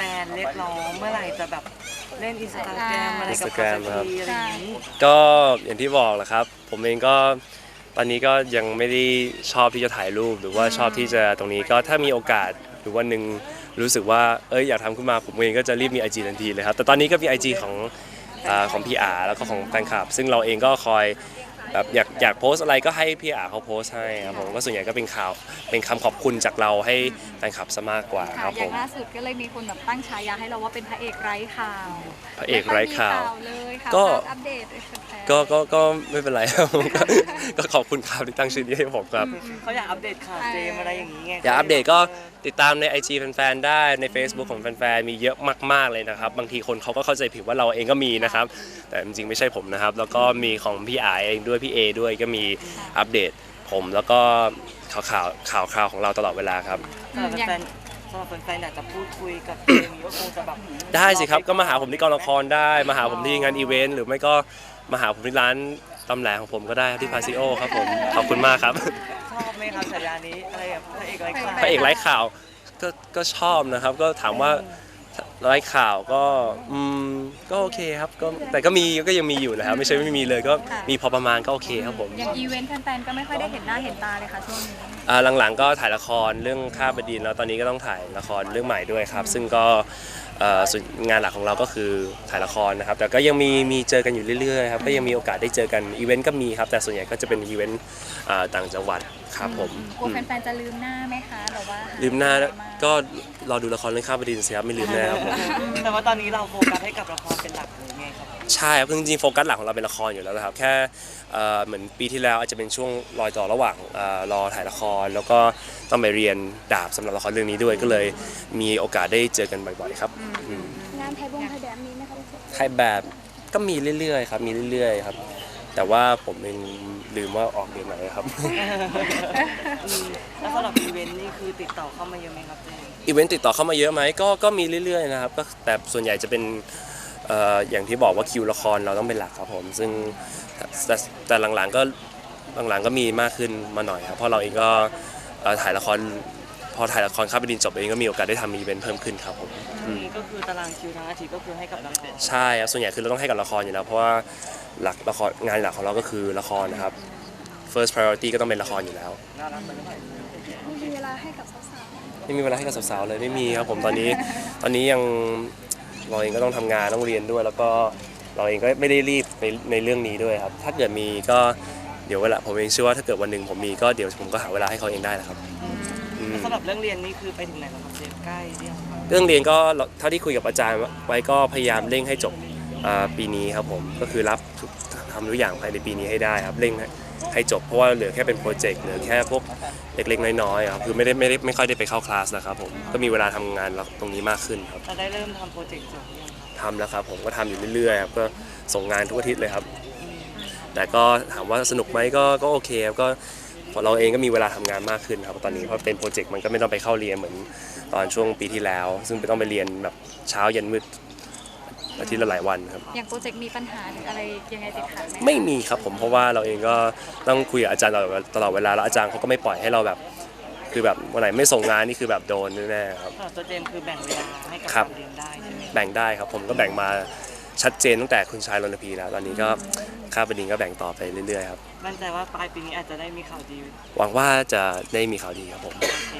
นๆเรียกร้องเมื่อไหร่จะแบบเล่นอินสตาแกรมอะไรกับเขาสักทีอะไรอย่างนี้ก็อย่างที่บอกแหละครับผมเองก็ตอนนี้ก็ยังไม่ได้ชอบที่จะถ่ายรูปหรือว่าชอบที่จะตรงนี้ก็ถ้ามีโอกาสหรือวันหนึ่งรู้สึกว่าอยากทำขึ้นมาผมเองก็จะรีบมี IG ทันทีเลยครับแต่ตอนนี้ก็มี IG ของพี่อาแล้วก็ของแฟนคลับซึ่งเราเองก็คอยแบบอยากโพสอะไรก็ให้พี่อาเขาโพสให้ครับผมก็ส่วนใหญ่ก็เป็นข่าวเป็นคำขอบคุณจากเราให้แฟนคลับซะมากกว่าครับอย่างผมล่าสุดก็เลยมีคนแบบตั้งฉายาให้เราว่าเป็นพระเอกไร้ข่าวพระเอกไร้ข่าวเลยค่ะอัปเดตก็ไม่เป็นไรครับก็ขอบคุณครับที่ตั้งชื่อนี้ให้ผมครับเขาอยากอัปเดตข่าวเจมอะไรอย่างนี้ไงอยากอัปเดตก็ติดตามใน IG แฟนๆได้ใน Facebook ของแฟนๆมีเยอะมากๆเลยนะครับบางทีคนเขาก็เข้าใจผิดว่าเราเองก็มีนะครับแต่จริงๆไม่ใช่ผมนะครับแล้วก็มีของพี่อาเองด้วยพี่เอด้วยก็มีอัปเดตผมแล้วก็ข่าวของเราตลอดเวลาครับสำหรับแฟนๆอยากจะพูดคุยกับเจมก็คงจะแบบได้สิครับก็มาหาผมที่กองละครได้มาหาผมที่งานอีเวนต์หรือไม่ก็มาหาผมที่ร้านตำแหน่งของผมก็ได้ที่พาซิโอครับผมขอบคุณมากครับชอบไหมครับฉายานี้อะไรแบบพระเอกไร้ข่าวพระเอกไร้ข่าวก็ชอบนะครับก็ถามว่าไร้ข่าวก็โอเคครับก็แต่ก็ยังมีอยู่นะครับไม่ใช่ไม่มีเลยก็มีพอประมาณก็โอเคครับผมอย่างอีเวนต์แฟนๆก็ไม่ค่อยได้เห็นหน้าเห็นตาเลยค่ะช่วงนี้หลังๆก็ถ่ายละครเรื่องข้าบดินแล้วตอนนี้ก็ต้องถ่ายละครเรื่องใหม่ด้วยครับซึ่งก็ส่วนงานหลักของเราก็คือถ่ายละครนะครับแต่ก็ยังมีเจอกันอยู่เรื่อยๆครับก็ยังมีโอกาสได้เจอกันอีเวนต์ก็มีครับแต่ส่วนใหญ่ก็จะเป็นอีเวนต์ต่างจังหวัดครับผมกลัวแฟนๆจะลืมหน้าไหมคะหรือว่าลืมหน้าก็รอดูละครเรื่องข้าบดินสิครับไม่ลืมแน่ครับผมแต่ว่าตอนนี้เราโฟกัสให้กับละครเป็นหลักหรือไงครับใช่ครับจริงๆโฟกัสหลักของเราเป็นละครอยู่แล้วนะครับแค่เหมือนปีที่แล้วอาจจะเป็นช่วงรอยต่อระหว่างรอถ่ายละครแล้วก็ต้องไปเรียนดาบสำหรับละครเรื่องนี้ด้วยก็เลยมีโอกาสได้เจอกันบ่อยๆครับงานถ่ายแบบนี้นะคะถ่ายแบบก็มีเรื่อยๆครับมีเรื่อยๆครับแต่ว่าผมเองลืมว่าออกเดือนไหนครับแล้วสำหรับอีเวนต์นี่คือติดต่อเข้ามาเยอะไหมครับเจมอีเวนต์ติดต่อเข้ามาเยอะไหมก็มีเรื่อยๆนะครับก็แต่ส่วนใหญ่จะเป็นอย่างที่บอกว่าคิวละครเราต้องเป็นหลักครับผมซึ่งแต่หลังๆก็มีมากขึ้นมาหน่อยครับเพราะเราเองก็ถ่ายละครพอถ่ายละครข้าบดินจบเองก็มีโอกาสได้ทำอีเวนต์เพิ่มขึ้นครับผมก็คือตารางคิวทั้งอาทิตย์ก็คือให้กับละครใช่ครับส่วนใหญ่คือเราต้องให้กับละครอยู่แล้วเพราะว่าหลักละครงานหลักของเราก็คือละครนะครับ first priority ก็ต้องเป็นละครอยู่แล้วไม่มีเวลาให้กับสาวๆไม่มีเวลาให้กับสาวๆเลยไม่มีครับผมตอนนี้ยังเราเองก็ต้องทำงานต้องเรียนด้วยแล้วก็เราเองก็ไม่ได้รีบในเรื่องนี้ด้วยครับถ้าเกิดมีก็เดี๋ยวเวลาผมเองเชื่อว่าถ้าเกิดวันหนึ่งผมมีก็เดี๋ยวผมก็หาเวลาให้เขาเองได้นะครับสำหรับเรื่องเรียนนี่คือไปถึงไหนแล้วครับเจมใกล้เรื่องเรียนก็เท่าที่คุยกับอาจารย์ไว้ก็พยายามเร่งให้จบปีนี้ครับผมก็คือรับทำทุกอย่างภายในปีนี้ให้ได้ครับเร่งให้จบเพราะว่าเหลือแค่เป็นโปรเจกต์เหลือแค่พวกเล็กๆน้อยๆครับคือไม่ค่อยได้ไปเข้าคลาสนะครับผมก็มีเวลาทำงานตรงนี้มากขึ้นครับจะได้เริ่มทำโปรเจกต์จบยังทำแล้วครับผมก็ทำอยู่เรื่อยๆครับก็ส่งงานทุกอาทิตย์เลยครับแต่ก็ถามว่าสนุกไหมก็โอเคครับก็เราเองก็มีเวลาทำงานมากขึ้นครับตอนนี้เพราะเป็นโปรเจกต์มันก็ไม่ต้องไปเข้าเรียนเหมือนตอนช่วงปีที่แล้วซึ่งต้องไปเรียนแบบเช้าเย็นมืดอาทิตย์ละหลายวันครับอย่างโปรเจกต์มีปัญหาหรืออะไรยังไงติดขัดไหมไม่มีครับผมเพราะว่าเราเองก็ต้องคุยกับอาจารย์ตลอดเวลาแล้วอาจารย์เขาก็ไม่ปล่อยให้เราแบบคือแบบวันไหนไม่ส่งงานนี่คือแบบโดนแน่ๆครับตัวเจมคือแบ่งเวลาให้กับการเรียนได้ใช่ไหมแบ่งได้ครับผมก็แบ่งมาชัดเจนตั้งแต่คุณชายรณพีแล้วตอนนี้ก็ข้าบดินก็แบ่งต่อไปเรื่อยๆครับมั่นใจว่าปลายปีนี้อาจจะได้มีข่าวดีหวังว่าจะได้มีข่าวดีครับผม